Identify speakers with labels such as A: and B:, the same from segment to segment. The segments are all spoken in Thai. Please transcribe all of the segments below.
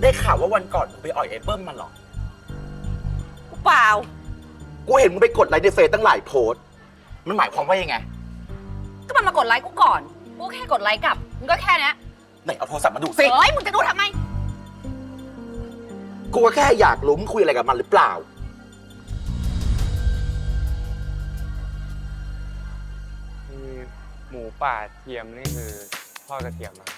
A: ได้ข่าวว่าวันก่อนมึงไปอ่อยไอ้เบิ้มมาหรอ
B: เปล่า
A: กูเห็นมึงไปกดไลค์ในเฟซตั้งหลายโพสต์มันหมายความว่ายังไง
B: ก็มันมากดไลค์กูก่อนกูแค่กดไลค์กลับมึงก็แค่นี้
A: ไหนเอาโทรศัพท์มาดูสิ
B: เฮ้ยมึงจะดูทำไม
A: กูก็แค่อยากรู้มึงคุยอะไรกับมันหรือเปล่า
C: หมูป่าเทียมนี่คือทอดกระเทียมมา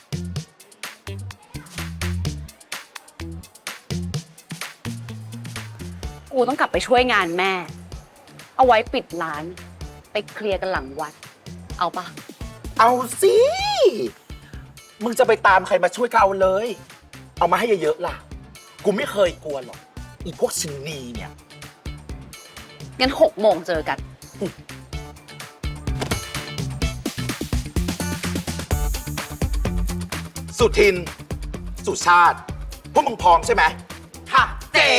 B: กูต้องกลับไปช่วยงานแม่เอาไว้ปิดร้านไปเคลียร์กันหลังวัดเอาปะ
A: เอาสิมึงจะไปตามใครมาช่วยก็เอาเลยเอามาให้เยอะๆล่ะกูไม่เคยกลัวหรอกอีพวกชินนีเนี่ย
B: งั้น6 โมงเจอกัน
A: สุทินสุชาติพวกมึงพร้อมใช่ไหมค่ะเจ๊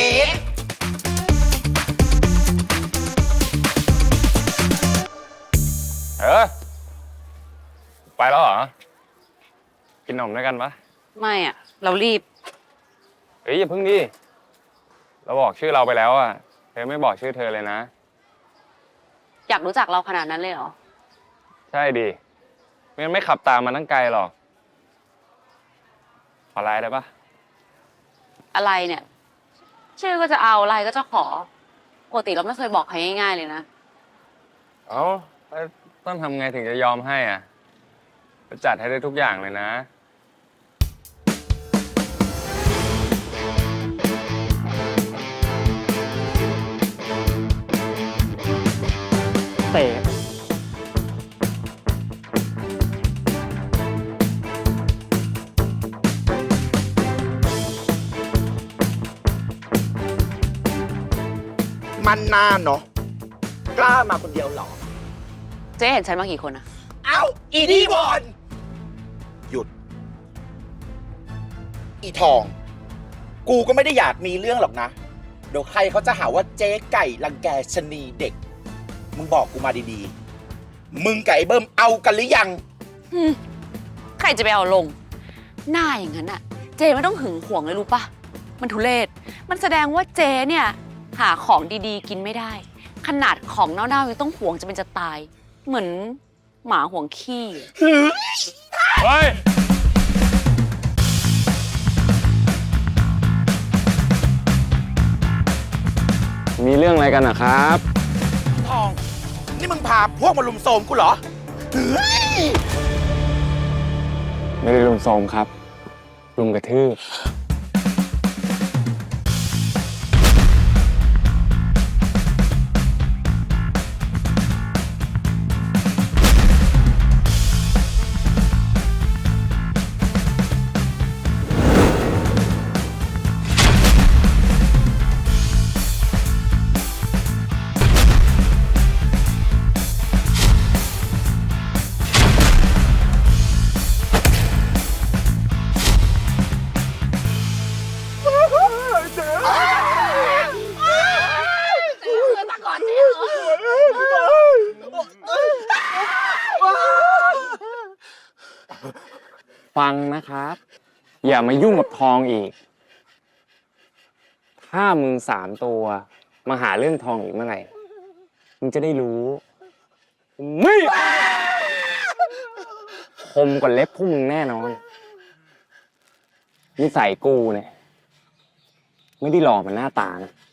C: ไปแล้วเหรอกินนมด้วยกันปะ
B: ไม่อ่ะเรารีบ
C: เฮ้ยอย่าพึ่งดิเราบอกชื่อเราไปแล้วอ่ะเธอไม่บอกชื่อเธอเลยนะ
B: อยากรู้จักเราขนาดนั้นเลยเหรอ
C: ใช่ดิไม่ขับตามมาตั้งไกลหรอกขอไลน์ได้ปะ
B: อะไรเนี่ยชื่อก็จะเอาไลน์ก็จะขอปกติเราไม่เคยบอกใครง่ายๆเลยนะ
C: เอ้าต้องทำไงถึงจะยอมให้อ่ะจะจัดให้ได้ทุกอย่างเลยนะ
D: เต๋
A: มันน่าเนาะกล้ามาคนเดียวหรอ
B: เจ๊เห็นฉันมากี่คนอะ
A: เอ้าอีนี่บอลหยุดอีทองกูก็ไม่ได้อยากมีเรื่องหรอกนะเดี๋ยวใครเขาจะหาว่าเจ๊ไก่รังแกชะนีเด็กมึงบอกกูมาดีๆมึงกับไอ้เบิ้มเอากันหรือยัง
B: ใครจะไปเอาลงหน้าอย่างนั้นอะเจ๊ไม่ต้องหึงหวงเลยรู้ปะมันทุเรศมันแสดงว่าเจ๊เนี่ยหาของดีๆกินไม่ได้ขนาดของเน่าๆยังต้องหวงจะเป็นจะตายเหมือนหมาหวงขี้
C: เฮ้ยมีเรื่องอะไรกันนะครับ
A: ทองนี่มึงพาพวกมาลุมโทรมกูเหรอ
C: ไม่ได้ลุมโทรมครับลุมกระทืบฟังนะครับอย่ามายุ่งกับทองอีกถ้ามึง3 ตัวมาหาเรื่องทองอีกเมื่อไหร่มึงจะได้รู้ไม่คมกว่าเล็บพวกมึงแน่นอนนิสัยกูเนี่ยไม่ได้หล่อเหมือนหน้าตานะ